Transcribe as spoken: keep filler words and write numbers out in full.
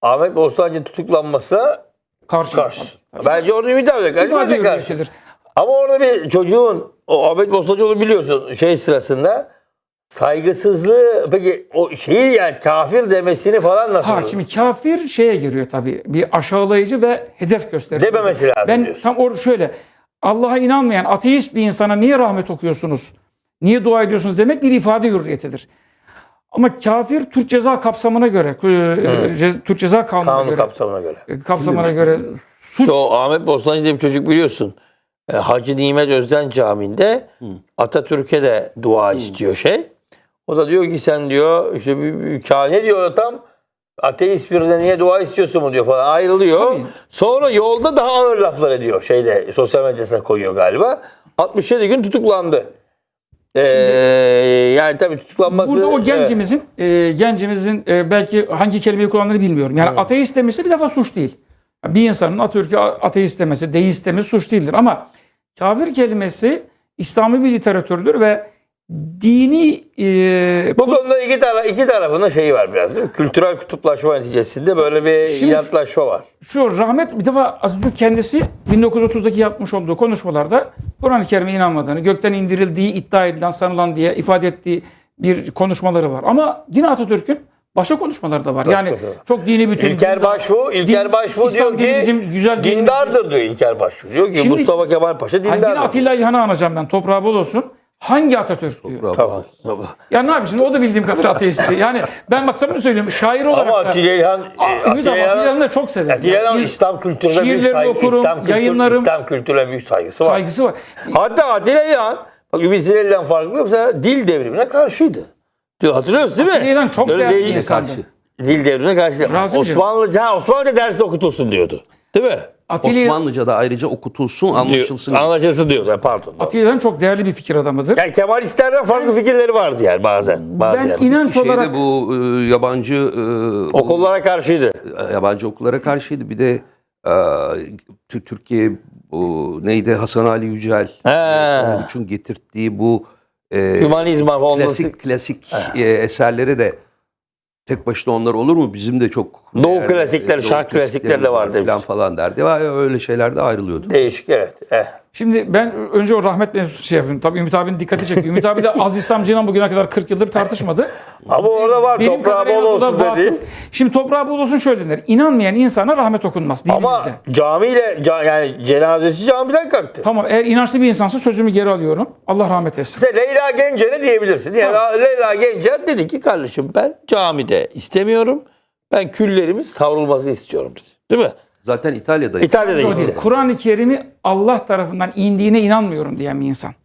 Ahmet Bostancı tutuklanmasına Karşı. karşı. Bence orada Ümit abi de karşı. Ben de karşı. Şeydir. Ama orada bir çocuğun, o Ahmet Bostancıoğlu biliyorsun şey sırasında saygısızlığı, peki o şeyi yani kafir demesini falan nasıl Ha olur? şimdi kafir şeye giriyor tabii. Bir aşağılayıcı ve hedef gösterici. Dememesi lazım Ben diyorsun. tam orada şöyle. Allah'a inanmayan ateist bir insana niye rahmet okuyorsunuz? Niye dua ediyorsunuz demek bir ifade hürriyetidir. Ama kafir Türk ceza kapsamına göre, e, ce, Türk ceza kanununa Kanun göre, kapsamına göre. e, kapsamına göre suç. O Ahmet Bostancı diye bir çocuk biliyorsun. E, Hacı Nimet Özden Camii'nde Atatürk'e de dua istiyor şey. O da diyor ki sen diyor işte bir, bir, bir ne diyor tam ateist birine niye dua istiyorsun mu diyor falan ayrılıyor. Tabii. Sonra yolda daha ağır laflar ediyor şeyde sosyal medyasına koyuyor galiba. altmış yedi gün tutuklandı. Ee, yani tabii tutuklanması... Burada o evet. gencimizin, e, gencimizin e, belki hangi kelimeyi kullandığını bilmiyorum. Yani ateist demesi bir defa suç değil. Bir insanın Atatürk'ü ateist demesi, deist demesi suç değildir. Ama kafir kelimesi İslami bir literatürdür ve dini... E, Bu konuda iki, tara iki tarafında şeyi var biraz değil mi? Kültürel kutuplaşma neticesinde böyle bir Şimdi inatlaşma var. Şu rahmet bir defa Atatürk kendisi bin dokuz yüz otuzdaki yapmış olduğu konuşmalarda Kur'an-ı Kerim'e inanmadığını, gökten indirildiği iddia edilen, sanılan diye ifade ettiği bir konuşmaları var. Ama yine Atatürk'ün başka konuşmaları da var. Yani Başka da. çok dini bütün... İlker Başbuğ, İlker din- Başbuğ İslam diyor dini ki bizim güzel dinimiz. dindardır diyor İlker Başbuğ. Diyor ki Şimdi- Mustafa Kemal Paşa Ha, yine dindardır. Atilla İlhan'ı anacağım ben. Toprağı bol olsun. Hangi Atatürk diyor. Tamam. tamam. Ya ne yapayım şimdi o da bildiğim kadar ateisti. Yani ben bak sana söylüyorum şair olarak Ama da... Atilla İlhan, Aa, Ümit abi Atilla İlhan'ı da çok severim. Atilla İlhan Yani İslam kültürüne büyük şiirlerini saygı, okurum, İslam, kültür, yayınlarım- İslam kültürüne büyük saygısı var. saygısı var. Hatta Atilla İlhan, bak Ümit Sinelli'den farklı mesela dil devrimine karşıydı. Diyor, hatırlıyorsun değil mi? Atilla İlhan çok Öyle değerli bir değil- insandı. Dil devrimine karşı değil. Razımcığım. Osmanlıca, ha, Osmanlıca dersi okutulsun diyordu. Değil mi? Atilla, Osmanlıca'da ayrıca okutulsun, anlaşılsın. Diyor, anlaşılsın diyor. Yani pardon. Atilla İlhan çok değerli bir fikir adamıdır. Yani Kemalistlerden farklı fikirleri vardı yani bazen. bazen. Ben inanç Şeyde olarak bu e, yabancı e, Okullara karşıydı. yabancı okullara karşıydı. Bir de e, Tü- Türkiye bu neydi Hasan Ali Yücel He. onun için getirdiği bu e, Hümanizma olması. klasik klasik e, eserleri de tek başına onlar olur mu? Bizim de çok Doğu değerli, klasikleri, Doğu şark klasikleri de var falan demiştim. falan derdi. Vay, öyle şeyler de ayrılıyordu. Değişik evet. Eh. şimdi ben önce o rahmet mevzusu şey yapayım. Tabii Ümit abinin dikkati çekiyor. Ümit abi de az İslamcıyla bugüne kadar kırk yıldır tartışmadı. Ama orada var Benim toprağı kadarıyla bol o da olsun vakıf. dedi. Şimdi toprağı bol olsun şöyle denir. İnanmayan insana rahmet okunmaz dinimizde. Ama camiyle ca- yani cenazesi camiden kalktı. Tamam eğer inançlı bir insansa sözümü geri alıyorum. Allah rahmet etsin. Mesela Leyla Gencer'e diyebilirsin. Yani Leyla Gencer dedi ki kardeşim ben camide istemiyorum. Ben küllerimin savrulması istiyorum dedi. Değil mi? Zaten İtalya'da İtalya'da O değil. gitti. Kur'an-ı Kerim'i Allah tarafından indiğine inanmıyorum diyen bir insan.